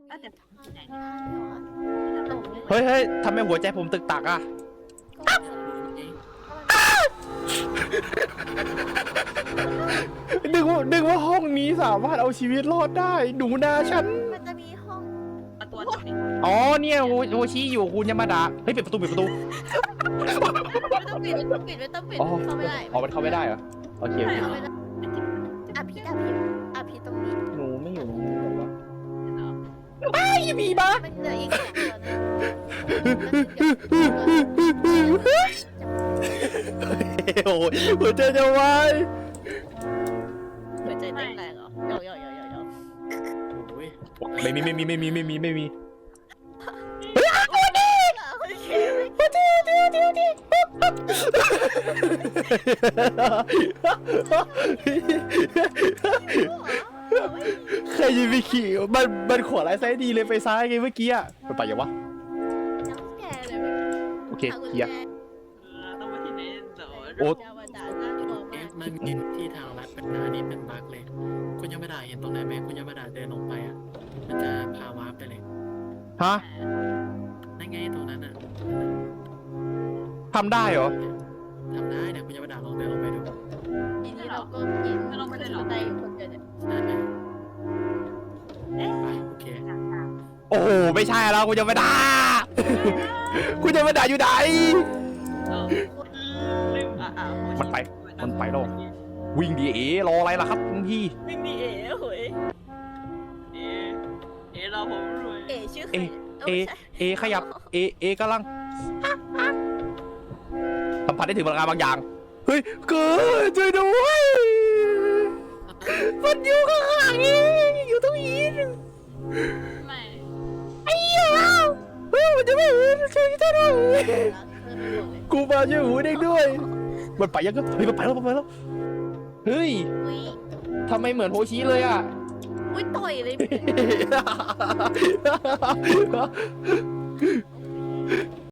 แต่ไหนเฮ้ยทำไมหัวใจผมตึกตักอ่ะนึกว่าห้องนี้สามารถเอาชีวิตรอดได้หนูนาฉันมันจะมีห้องประตูตรงนี้อ๋อเนี่ยโฮชิอยู่คุณยามาดะเฮ้ยปิดประตูไม่ต้องปิดเข้าไม่ได้อ๋อมันเข้าไม่ได้เหรอโอเคเข้าไม่ได้อภิตรงนี้หนูไม่อยู่ตรงนี้หรอวะอ้ายมีบ้ามันเหลืออีก2ตัวนะโอ้ยหัวใจจะวายหัวใจเต้นแรงเหรอโยไม่มีใครจะไปขี่มันขวาไรซ้ายดีเลยไปซ้ายไงเมื่อกี้อ่ะมันไปยังวะน้ำแกเลยโอเคเคลียร์ต้องไปที่ไหนต่อโอ๊ตยาวดาน่ากลัวมากมันมีที่ทางลัดเป็นหน้านี้เป็นบั๊กเลย คุณยังไม่ได้เห็นตรงไหนไหมคุณยังไม่ได้เดินลงไปอ่ะ มันจะพาวาร์ปไปเลยฮะนั่นไงตรงนั้นอ่ะทำได้เหรอทำได้เนี่ยคุณยังไม่ได้ลองเดินลงไปดูทีนี้เราก็กินบันไดอยู่คนเดียวเนี่ยนั่นนะไปโอเคโอ้โหไม่ใช่แล้วคุณจะไม่ด่าคุณจะไม่ด่าอยู่ไหนมันไปแล้ววิ่งดีเอรออะไรล่ะครับคุณพี่วิ่งดีเอ๋โหยเอ๋เราผมรวยชื่อเอขยับเอกำลังสัมผัสได้ถึงพลังงานบางอย่างเฮ้ยเกิดช่วยด้วยมันอยู่ข้างหลังนี่อยู่ตรงนี้ไม่ไอ้เหี้ยเฮ้ยมันจะไม่เห็นช่วยด้วยกูมาช่วยหูเด็กด้วยมันไปยังก็เฮ้ยมันไปแล้วเฮ้ยทำไมเหมือนโฮชิเลยอ่ะอุ้ยต่อยเลย